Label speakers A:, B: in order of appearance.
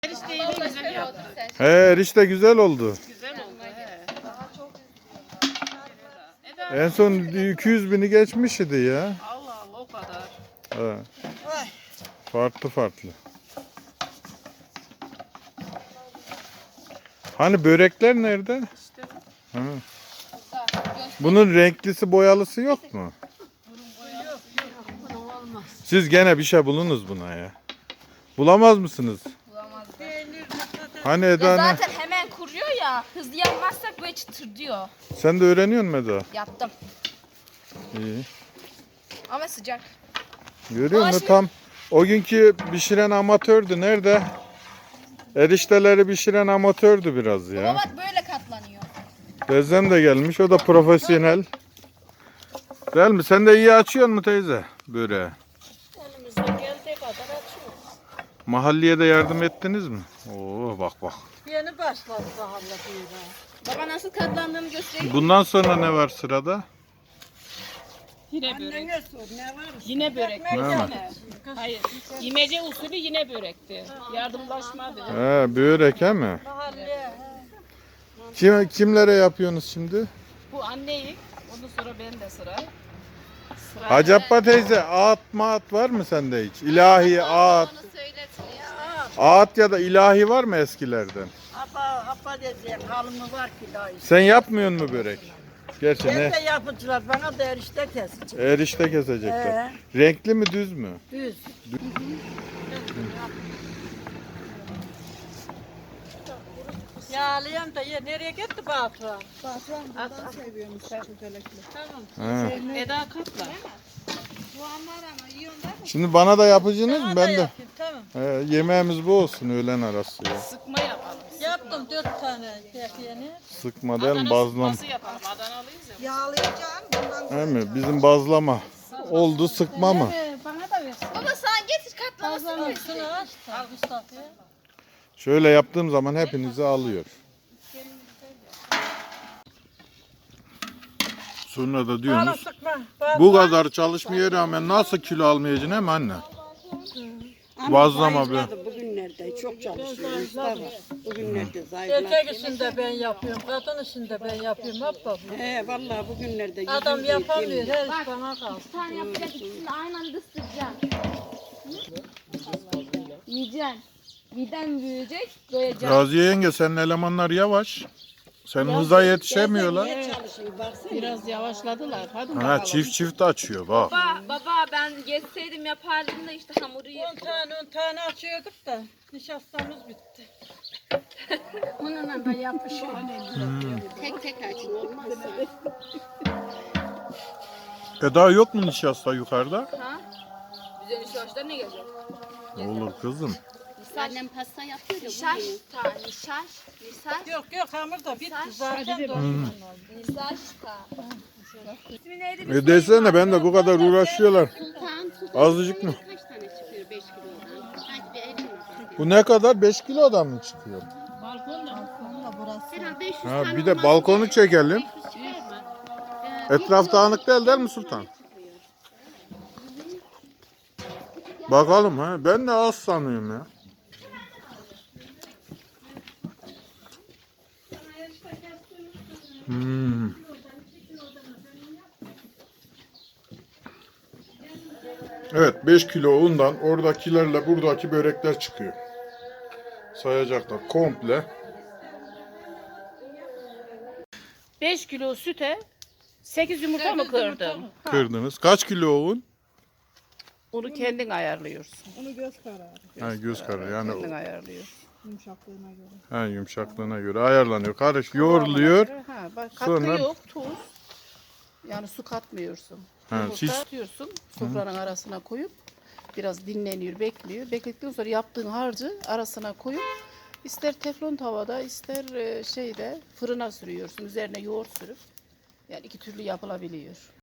A: Erişteyi de güzel yaptın.
B: He, erişte güzel oldu.
A: Güzel oldu. He.
B: En son 200 bini geçmiş idi ya.
A: Allah Allah o kadar.
B: He. Farklı farklı. Hani börekler nerede?
A: İşte
B: Ha. Bunun renklisi boyalısı yok mu? Siz gene bir şey bulunuz buna ya. Bulamaz mısınız? Hani Eda
C: Ya
B: ne?
C: zaten hemen kuruyor ya. Hızlı yapmazsak böyle çıtır diyor.
B: Sen de öğreniyor musun Eda?
C: Yaptım.
B: İyi.
C: Ama sıcak.
B: Görüyor musun?
C: şimdi-
B: Tam o günkü pişiren amatördü. Nerede? Erişteleri pişiren amatördü biraz
C: Baba
B: ya.
C: bak böyle katlanıyor.
B: Teyzem de gelmiş. O da profesyonel. Değil mi? Sen de iyi açıyor mu teyze? Böreği.
D: Elimizden geldiği kadar açıyoruz.
B: Mahalleye de yardım ettiniz mi? Oo bak bak.
D: Yeni başladı daha da böyle.
C: Baba nasıl katlandığını göstereyim.
B: Bundan sonra ne var sırada?
A: yine börek.
D: Annene sor ne var?
A: Yine börek.
D: Ekmek
B: Ne var?
D: yapmış.
A: Hayır. İmece usulü yine börekti. Yardımlaşmadı.
B: He, börek he mi?
D: Mahalleye.
B: Kimlere yapıyorsunuz şimdi?
A: Bu anneyi. Ondan sonra ben de sıra.
B: Hacı Abba teyze ağıt mağat var mı sende hiç? İlahi ağıt. Ağıt ya da ilahi var mı eskilerden?
D: Apa diyeceğim halımı var ki daha işte.
B: Sen yapmıyorsun mu börek? Gerçi
D: Ben
B: ne?
D: de yapıcılar bana da erişte kesecek.
B: Erişte kesecekler. Renkli mi düz mü?
D: Düz. Yağlayan da nereye gitti Batuhan? Batuhan bundan seviyormuş çökelekli. Tamam.
B: Ha.
A: Eda katla.
B: Şimdi bana da yapacaksınız mı? Ben de.
D: Yapayım, tamam.
B: Yemeğimiz bu olsun öğlen arası ya.
A: Sıkma yapalım.
D: Yaptım 4 tane yeni.
B: Sıkma değil mi?
A: Adana
B: Bazlama.
A: sıkması yapalım. Adanalıyız ya.
D: Yağlayacağım bundan
B: He mi? Bizim bazlama. Oldu sıkma mı?
D: bana da versin.
C: Baba sen getir katlamasını.
D: Şunu aç da al Mustafa'ya.
B: Şöyle yaptığım zaman hepinizi alıyor. Sonra da diyorsunuz
D: Sıkma.
B: bu kadar çalışmaya rağmen nasıl kilo almayacaksın hem anne? Bazlama be.
E: Bugünlerde çok çalışıyor Mustafa. Bugünlerde zayıfladı.
D: Erkek işini de ben yapıyorum, kadın işini de ben yapıyorum. Hep baba.
E: He vallahi bugünlerde
D: Adam
E: yüzüm
D: yapamıyor,
E: yedim.
D: her iş bana kalsın.
C: Bir tane yapacak ikisini aynı anda ısıracaksın. Yiyeceksin. Miden büyüyecek, doyacaksın.
B: Raziye yenge senin elemanlar yavaş. Sen hıza yetişemiyorlar.
E: Niye çalışıyor baksana.
A: Biraz yavaşladılar. Hadi
B: Ha
A: bakalım.
B: çift açıyor bak.
C: Baba ben geçseydim yapardım da işte hamuru
D: 10 tane açıyorduk da nişastamız bitti.
E: Onunla da yapışıyor. Tek tek açın olmazsa.
B: Eda yok mu nişasta yukarıda?
C: Ha? Bize nişaşlar ne gelecek?
B: Olur kızım.
E: Annem pasta yapıyor da
C: Nişaş,
E: bugün.
C: nişaş,
D: Yok hamur da bitti zaten.
C: nişaş ta. İsmi neydi?
B: Desene ben de bu kadar uğraşıyorlar.
E: Sultan
B: Azıcık mı?
E: kaç tane çıkıyor 5 kilodan? Hadi bir elimle bak.
B: Bu ne kadar? 5 kilodan mı çıkıyor?
E: Herhalde 500
B: Ha,
E: tane
B: bir de
E: olmaz.
B: balkonu çekelim.
E: 500 çıkar mı?
B: Etraf dağınık değil mi Sultan? Bakalım ha. Ben de az sanıyorum ya. Hmm. Evet 5 kilo undan oradakilerle buradaki börekler çıkıyor. Sayacaklar komple.
A: 5 kilo süte 8 yumurta mı kırdın?
B: Kırdınız. Kaç kilo un?
A: Onu kendin ayarlıyorsun.
D: Onu göz kararı,
B: Ha, göz kararı yani
A: Kendin ayarlıyorsun.
D: yumuşaklığına göre.
B: ha, yumuşaklığına göre ayarlanıyor. Karış yoğruluyor.
A: Ha, bak katkı
B: Sonra-
A: yok, tuz. Yani su katmıyorsun.
B: Ha,
A: Yumurta
B: siz-
A: atıyorsun, sofranın arasına koyup biraz dinleniyor, bekliyor. Bekledikten sonra yaptığın harcı arasına koyup ister teflon tavada, ister şeyde fırına sürüyorsun. Üzerine yoğurt sürüp yani iki türlü yapılabiliyor.